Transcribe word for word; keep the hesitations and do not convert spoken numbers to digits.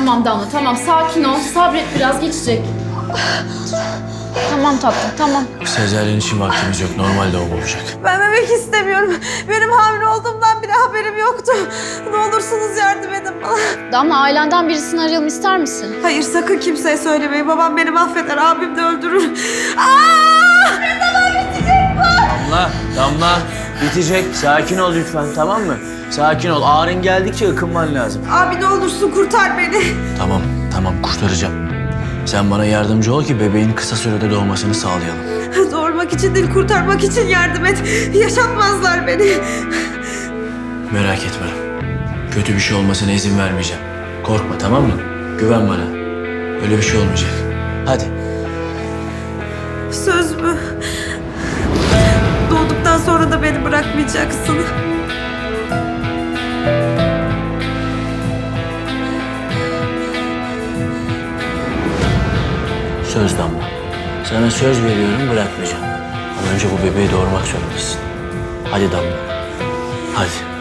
Tamam Damla, tamam. Sakin ol. Sabret, biraz geçecek. Tamam tatlım, tamam. Sezaryen için vaktimiz yok. Normal doğum olacak. Ben bebek istemiyorum. Benim hamile olduğumdan bile haberim yoktu. Ne olursunuz yardım edin bana. Damla, ailenden birisini arayalım ister misin? Hayır, sakın kimseye söylemeyin. Babam beni mahveder, abim de öldürür. Aa! Ne zaman bitecek bu? Damla, Damla. Bitecek. Sakin ol lütfen, tamam mı? Sakin ol. Ağrın geldikçe ıkınman lazım. Abi ne olursun kurtar beni. Tamam, tamam. Kurtaracağım. Sen bana yardımcı ol ki bebeğin kısa sürede doğmasını sağlayalım. Doğurmak için değil, kurtarmak için yardım et. Yaşatmazlar beni. Merak etme. Kötü bir şey olmasına izin vermeyeceğim. Korkma, tamam mı? Güven bana. Öyle bir şey olmayacak. Hadi. Söz mü? Doğduktan sonra da beni bırakmayacaksın. Söz Damla. Sana söz veriyorum, bırakmayacağım. Ama önce bu bebeği doğurmak zorundasın. Hadi Damla. Hadi.